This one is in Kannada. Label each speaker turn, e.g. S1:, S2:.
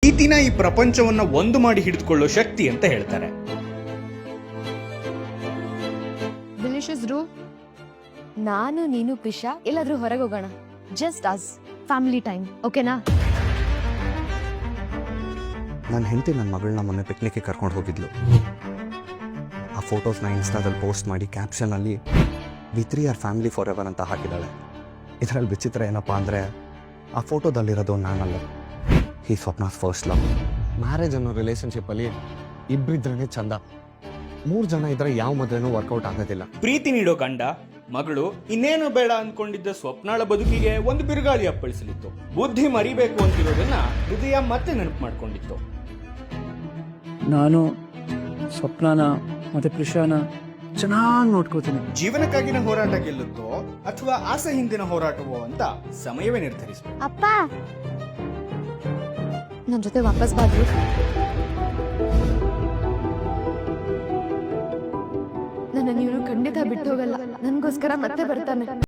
S1: ಪ್ರೀತಿನ ಈ ಪ್ರಪಂಚವನ್ನ ಒಂದು ಮಾಡಿ ಹಿಡಿದುಕೊಳ್ಳೋ ಶಕ್ತಿ ಅಂತ ಹೇಳ್ತಾರೆ.
S2: ನಾನು ನೀನು ಪಿಶಾ ಎಲ್ಲಾದ್ರೂ ಹೊರಗೆ ಹೋಗೋಣ. ಜಸ್ಟ್ ಅಸ್ ಫ್ಯಾಮಿಲಿ ಟೈಮ್, ಓಕೆನಾ?
S3: ನನ್ನ ಹೆಂಡತಿ ನನ್ನ ಮಗಳನ್ನ ಮೊನ್ನೆ ಪಿಕ್ನಿಕ್ಗೆ ಕರ್ಕೊಂಡು ಹೋಗಿದ್ಲು. ಆ ಫೋಟೋಸ್ನ ಇನ್ಸ್ಟಾದಲ್ಲಿ ಪೋಸ್ಟ್ ಮಾಡಿ ಕ್ಯಾಪ್ಷನಲ್ಲಿ we 3 are family forever ಅಂತ ಹಾಕಿದ್ದಾಳೆ. ಇದರಲ್ಲಿ ವಿಚಿತ್ರ ಏನಪ್ಪ ಅಂದರೆ ಆ ಫೋಟೋದಲ್ಲಿರೋದು ನಾನಲ್ಲ, ಈ ಸ್ವಪ್ನಾಸ್ ಫಸ್ಟ್ ಲವ್. ಮ್ಯಾರೇಜ್ ಅನ್ನೋ ರಿಲೇಷನ್ಶಿಪ್ಪಲ್ಲಿ ಇಬ್ಬರಿದ್ರೇ ಚಂದ, 3 ಜನ ಇದ್ರೆ ಯಾವ ಮದುವೆನೂ ವರ್ಕೌಟ್ ಆಗೋದಿಲ್ಲ.
S1: ಪ್ರೀತಿ ನೀಡೋ ಗಂಡ ಮಗಳು ಇನ್ನೇನು ಬೇಡ ಅನ್ಕೊಂಡಿದ್ದ ಸ್ವಪ್ನಾಳ ಬದುಕಿಗೆ ಒಂದು ಬಿರುಗಾಳಿ ಅಪ್ಪಳಿಸಲಿತ್ತು. ಬುದ್ಧಿ ಮರಿಬೇಕು ಅಂತಿರೋದನ್ನ ಹೃದಯ ಮತ್ತೆ ನೆನಪು ಮಾಡ್ಕೊಂಡಿತ್ತು.
S4: ನಾನು ಸ್ವಪ್ನಾನ ಮತ್ತೆ ಪ್ರಿಷಾನ ಚೆನ್ನಾಗಿ ನೋಡ್ಕೋತೀನಿ.
S1: ಜೀವನಕ್ಕಾಗಿನ ಹೋರಾಟ ಗೆಲ್ಲುತ್ತೋ ಅಥವಾ ಆಸೆ ಹಿಂದಿನ ಹೋರಾಟವೋ ಅಂತ ಸಮಯವೇ ನಿರ್ಧರಿಸಬೇಕು.
S2: ಅಪ್ಪ ನನ್ನ ಜೊತೆ ವಾಪಸ್ ಬಾದ್ರು. ನನ್ನ ನೀವು ಖಂಡಿತ ಬಿಟ್ಟು ಹೋಗಲ್ಲ, ನನಗೋಸ್ಕರ ಮತ್ತೆ ಬರ್ತಾನೆ.